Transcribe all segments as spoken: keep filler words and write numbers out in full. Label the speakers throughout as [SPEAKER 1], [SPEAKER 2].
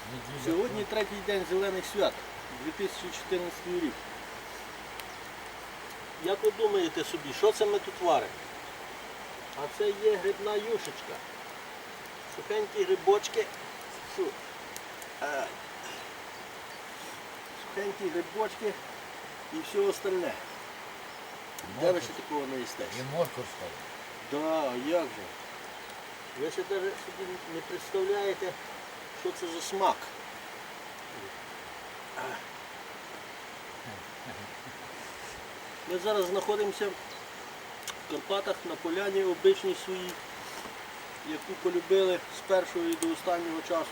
[SPEAKER 1] Сьогодні третій день зелених свят, дві тисячі чотирнадцятий рік. Як ви думаєте собі, що це ми тут варимо? А це є грибна юшечка. Сухенькі грибочки. Фу. Ай. Сухенькі грибочки і все остальне. Де ви ще такого не їстесь?
[SPEAKER 2] І морква стала.
[SPEAKER 1] Да, як же? Ви ще навіть собі не представляєте, що це за смак. Ми зараз знаходимося в Карпатах на поляні обичній своїй, яку полюбили з першого і до останнього часу.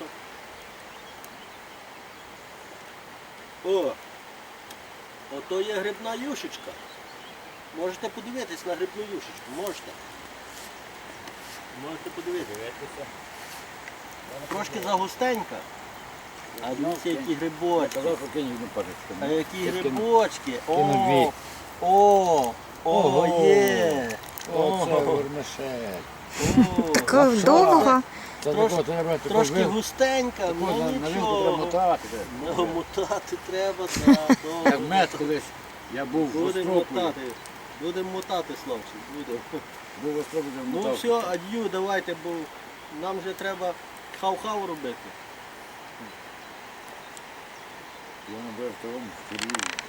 [SPEAKER 1] О! Ото є грибна юшечка. Можете подивитись на грибну юшечку, можете. Можете подивитися. Трошки загустенька. А дивіться, які грибочки.
[SPEAKER 2] Казав, що кинь одну пачечку.
[SPEAKER 1] А які грибочки.
[SPEAKER 2] Кину
[SPEAKER 1] О, о,
[SPEAKER 2] Ого.
[SPEAKER 1] о, є.
[SPEAKER 2] Оце
[SPEAKER 1] О,
[SPEAKER 2] вермишель.
[SPEAKER 1] о.
[SPEAKER 3] Такого довго.
[SPEAKER 2] Це
[SPEAKER 1] Трош-
[SPEAKER 2] такого треба таку
[SPEAKER 1] Трошки
[SPEAKER 2] вил-
[SPEAKER 1] густенька,
[SPEAKER 2] таку
[SPEAKER 1] ну
[SPEAKER 2] на- на вилку треба
[SPEAKER 1] нічого.
[SPEAKER 2] мотати.
[SPEAKER 1] Ну, мотати треба, так,
[SPEAKER 2] Як
[SPEAKER 1] довго.
[SPEAKER 2] мед колись, я був в
[SPEAKER 1] Будемо
[SPEAKER 2] Острополі.
[SPEAKER 1] мотати. Будемо мотати, Славчик, будемо.
[SPEAKER 2] Був в Острополі,
[SPEAKER 1] Ну
[SPEAKER 2] мотав.
[SPEAKER 1] все, ад'ю, давайте, бо нам вже треба хау-хау робити.
[SPEAKER 2] Я набив в тому, в Києві.